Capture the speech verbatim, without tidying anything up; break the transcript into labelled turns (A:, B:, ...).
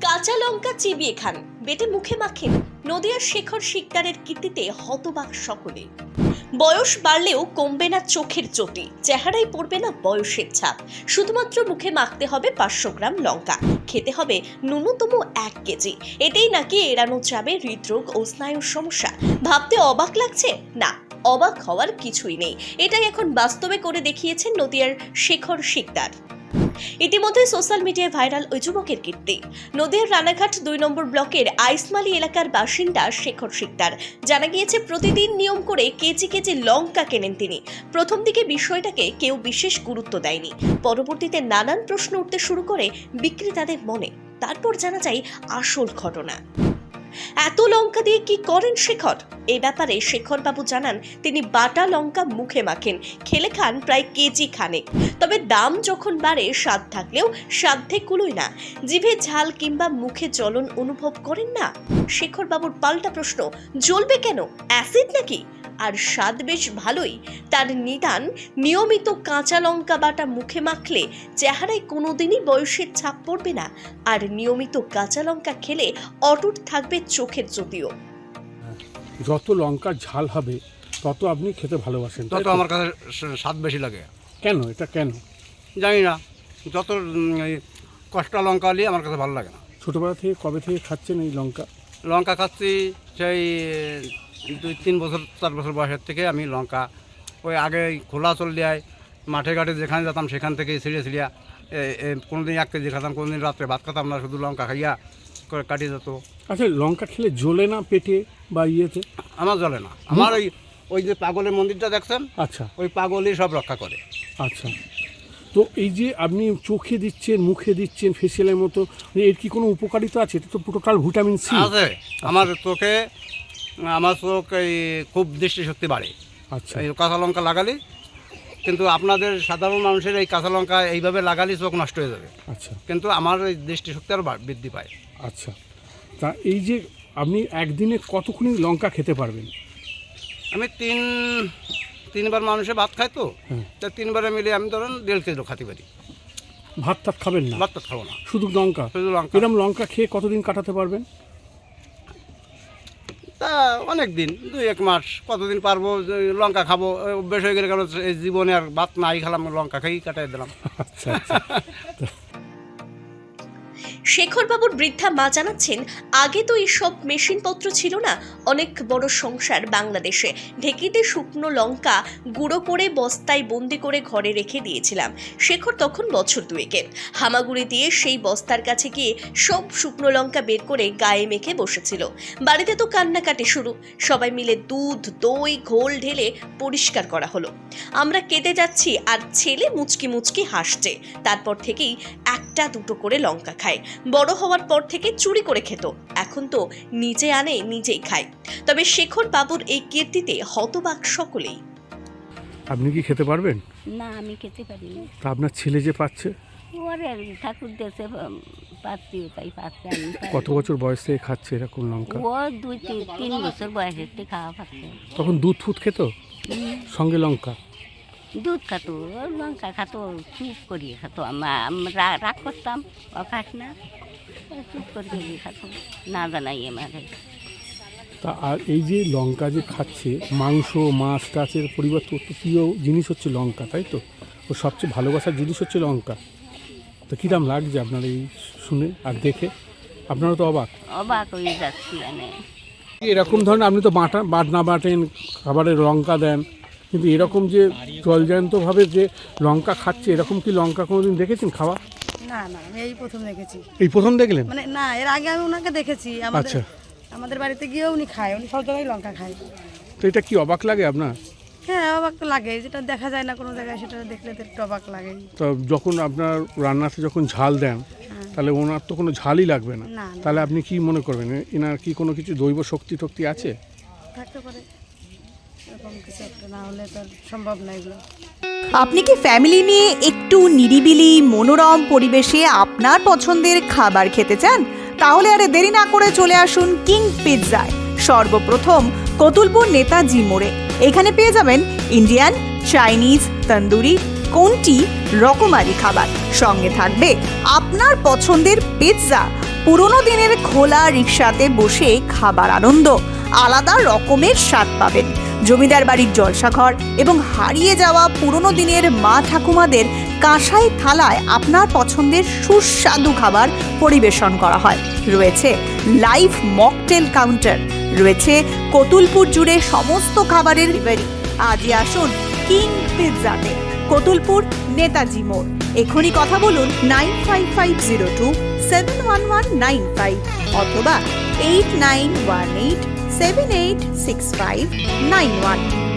A: কাঁচা লঙ্কা চিবিয়ে খান, বেটে মুখে মাখেন। নদিয়ার শেখর শিকদারের কীর্তিতে হতবাক সকলে। বয়স বাড়লেও কমবে না চোখের জ্যোতি, চেহারায় পড়বে না বয়সের ছাপ। শুধুমাত্র মুখে মাখতে হবে পাঁচশো গ্রাম লঙ্কা, খেতে হবে ন্যূনতম এক কেজি। এতেই নাকি এড়ানো যাবে হৃদরোগ ও স্নায়ুর সমস্যা। ভাবতে অবাক লাগছে? না, অবাক হওয়ার কিছুই নেই। এটাই এখন বাস্তবে করে দেখিয়েছেন নদিয়ার শেখর শিকদার। ইতিমধ্যে সোশ্যাল মিডিয়ায় ভাইরাল ওই যুবকের কীর্তি। নদিয়ার রানাঘাট দুই নম্বর ব্লকের আইসমালি এলাকার বাসিন্দা শেখর শিকদার। জানা গিয়েছে প্রতিদিন নিয়ম করে কেজি কেজি লঙ্কা কেনেন তিনি। প্রথম দিকে বিষয়টাকে কেউ বিশেষ গুরুত্ব দেয়নি, পরবর্তীতে নানান প্রশ্ন উঠতে শুরু করে বিক্রেতাদের মনে। তারপর জানা যায় আসল ঘটনা। এত লঙ্কা দিয়ে কি করেন শেখর? এই ব্যাপারে শেখর বাবু জানান, তিনি বাটা লঙ্কা মুখে মাখেন, খেলে খান প্রায় কেজি খানেক। তবে দাম যখন বাড়ে, স্বাদ থাকলেও সাধ্যে কুলোয় না। জিভে ঝাল কিংবা মুখে জ্বলন অনুভব করেন না? শেখর বাবুর পাল্টা প্রশ্ন, জ্বলবে কেন? অ্যাসিড নাকি? আর স্বাদ বেশ ভালোই। তার নিদান, নিয়মিত কাঁচা লঙ্কা বাটা মুখে মাখলে চেহারায় কোনোদিনই বয়সের ছাপ পড়বে না, আর নিয়মিত কাঁচা লঙ্কা খেলে অটুট থাকবে চোখের জ্যোতিও।
B: যত লঙ্কার ঝাল হবে তত আপনি খেতে ভালোবাসেন,
C: তত আমার কাছে স্বাদ বেশি লাগে।
B: কেন? এটা কেন
C: জানি না, যত কষ্টা লঙ্কা হলে আমার কাছে ভালো লাগে না।
B: ছোটবেলা থেকে কবে থেকে খাচ্ছেন এই লঙ্কা?
C: লঙ্কা খাচ্ছি সেই দুই তিন বছর চার বছর বয়সের থেকে আমি লঙ্কা ওই আগে খোলা চল দেয় মাঠে ঘাটে যেখানে যেতাম সেখান থেকে ছিঁড়ে ছিঁড়িয়া কোনো দিন এক কেজি খেতাম, কোনো দিন রাত্রে ভাত খেতাম না, শুধু লঙ্কা খাইয়া করে কাটিয়ে যেত।
B: আচ্ছা, লঙ্কা খেলে জ্বলে না পেটে বা ইয়েতে?
C: আমার জ্বলে না। আমার ওই ওই যে পাগলের মন্দিরটা দেখছেন,
B: আচ্ছা,
C: ওই পাগলই সব রক্ষা করে।
B: আচ্ছা। তো এই যে আপনি চোখে দিচ্ছেন, মুখে দিচ্ছেন ফেসিয়ালের মতো, এর কি কোনো উপকারিতা আছে? এটা তো টোটাল ভিটামিন সি
C: আছে। আমার চোখে আমার চোখ এই খুব দৃষ্টিশক্তি বাড়ে।
B: আচ্ছা,
C: এই কাঁচা লঙ্কা লাগালি, কিন্তু আপনাদের সাধারণ মানুষের এই কাঁচা লঙ্কা এইভাবে লাগালে চোখ নষ্ট হয়ে যাবে।
B: আচ্ছা,
C: কিন্তু আমার এই দৃষ্টিশক্তি আরও বৃদ্ধি পায়।
B: আচ্ছা। তা এই যে আপনি একদিনে কতক্ষণ লঙ্কা খেতে পারবেন?
C: আমি তিন তিনবার মানুষে ভাত খাই, তো
B: হ্যাঁ।
C: তা তিনবারে মিলে আমি ধরেন দেড় কেজি খাতে পারি।
B: ভাত টাত খাবেন না?
C: ভাত তো খাবো না,
B: শুধু লঙ্কা?
C: শুধু লঙ্কা।
B: এরকম লঙ্কা খেয়ে কতদিন কাটাতে পারবেন?
C: তা অনেক দিন, দুই এক মাস, কতদিন পারবো। লঙ্কা খাবো অভ্যেস হয়ে গেলে, কারণ এই জীবনে আর ভাত নাই খেলাম, লঙ্কা খেয়েই কাটাই দিলাম।
B: আচ্ছা, আচ্ছা।
A: শেখর বাবুর বৃদ্ধা মা জানাচ্ছেন, আগে তো এইসব মেশিনপত্র ছিল না। অনেক বড় সংসার বাংলাদেশে। ঢেকিতে শুকনো লঙ্কা গুঁড়ো করে বস্তায় বন্দি করে ঘরে রেখে দিয়েছিলাম। শেখর তখন বছর দুয়েকের। হামাগুড়ি দিয়ে সেই বস্তার কাছে গিয়ে সব শুকনো লঙ্কা বের করে গায়ে মেখে বসেছিল। বাড়িতে তো কান্নাকাটি শুরু। সবাই মিলে দুধ, দই, ঘোল ঢেলে পরিষ্কার করা হলো। আমরা কেটে যাচ্ছি আর ছেলে মুচকি মুচকি হাসছে। তারপর থেকেই একটা দুটো করে লঙ্কা খায়। বড় হওয়ার পর থেকে চুরি করে খেত, এখন তো নিজে আনে নিজেই খায়। তবে শেখর বাবুর এই কীর্তিতে হতবাক সকলেই।
B: আপনি কি খেতে পারবেন?
D: না, আমি খেতে পারি না।
B: তা আপনার ছেলে যে পাচ্ছে?
D: ওরে ঠাকুর দেশে পাচ্ছি, তাই পাচ্ছে। আমি
B: কত বছর বয়স থেকে খাচ্ছে এরকম লঙ্কা?
D: ও দুই তিন তিন বছর বয়সের থেকে খাওয়া পাচ্ছে।
B: তখন দুধ ফুট খেত সঙ্গে লঙ্কা?
D: দুধ খাতো, লঙ্কা খাতো, চুপ করিয়ে খাতো। আমরা রাগ করতাম, ও খাস না, চুপ করিয়ে খাতো, না জানাই আমাদের।
B: তা আর এই যে লঙ্কা যে খাচ্ছে, মাংস মাছ টাচের পরিবর্তে অত প্রিয় জিনিস হচ্ছে লঙ্কা, তাই তো? ও সবচেয়ে ভালোবাসার জিনিস হচ্ছে লঙ্কা। তো কীরকম লাগছে আপনার এই শুনে আর দেখে? আপনারা তো অবাক
D: অবাক হয়ে যাচ্ছি। মানে
B: এরকম ধরনের, আপনি তো বাটা বাটনা বাটেন, খাবারে লঙ্কা দেন, কিন্তু এরকম যে জলজান্তভাবে যে লঙ্কা খাচ্ছে, এরকম কি লঙ্কা কোনোদিন দেখেছেন খাওয়া?
E: না না, আমি এই প্রথম দেখেছি।
B: এই প্রথম দেখলেন?
E: মানে না, এর আগে আমি ওনাকে দেখেছি। আমাদের
B: আচ্ছা,
E: আমাদের বাড়িতে গিয়েও উনি খায়, উনি সব জায়গায় লঙ্কা খায়।
B: তো এটা কি অবাক লাগে আপনার?
E: হ্যাঁ, অবাক তো লাগে, যেটা দেখা যায় না কোনো জায়গায়, সেটা দেখলে তো একটু অবাক লাগে।
B: তো যখন আপনার রান্নাতে যখন ঝাল দেন, তাহলে ওনার তো কোনো ঝালই লাগবে না।
E: না,
B: তাহলে আপনি কি মনে করবেন, এনার কি কোনো কিছু দৈব শক্তি টক্তি আছে?
E: থাকতে পারে, এরকম কিছু একটা, না হলে তো আর সম্ভব না এগুলো।
F: আপনি কি ফ্যামিলি নিয়ে একটু নিরিবিলি মনোরম পরিবেশে আপনার পছন্দের খাবার খেতে চান? তাহলে আর দেরি না করে চলে আসুন কিং পিৎজায়। সর্বপ্রথম কতুলপুর নেতাজি মোড়ে। এখানে পেয়ে যাবেন ইন্ডিয়ান, চাইনিজ, তন্দুরি, কোনটি রকমারি খাবার। সঙ্গে থাকবে আপনার পছন্দের পিৎজা, পুরনো দিনের খোলা রিকশাতে বসে খাবার আনন্দ, আলাদা রকমের স্বাদ পাবেন। জমিদার বাড়ির জলসাঘর এবং হারিয়ে যাওয়া পুরনো দিনের মা ঠাকুমাদের কাঁসাই থালায় আপনার পছন্দের সুস্বাদু খাবার পরিবেশন করা হয়। রয়েছে লাইভ মকটেল কাউন্টার, রয়েছে কতুলপুর জুড়ে সমস্ত খাবারের ডেলিভারি। আজই আসুন কিং পিৎজাতে, কতুলপুর নেতাজি মোড়। এখনই কথা বলুন nine five five zero two seven one one nine five অথবা eight nine one eight seven eight six five nine one.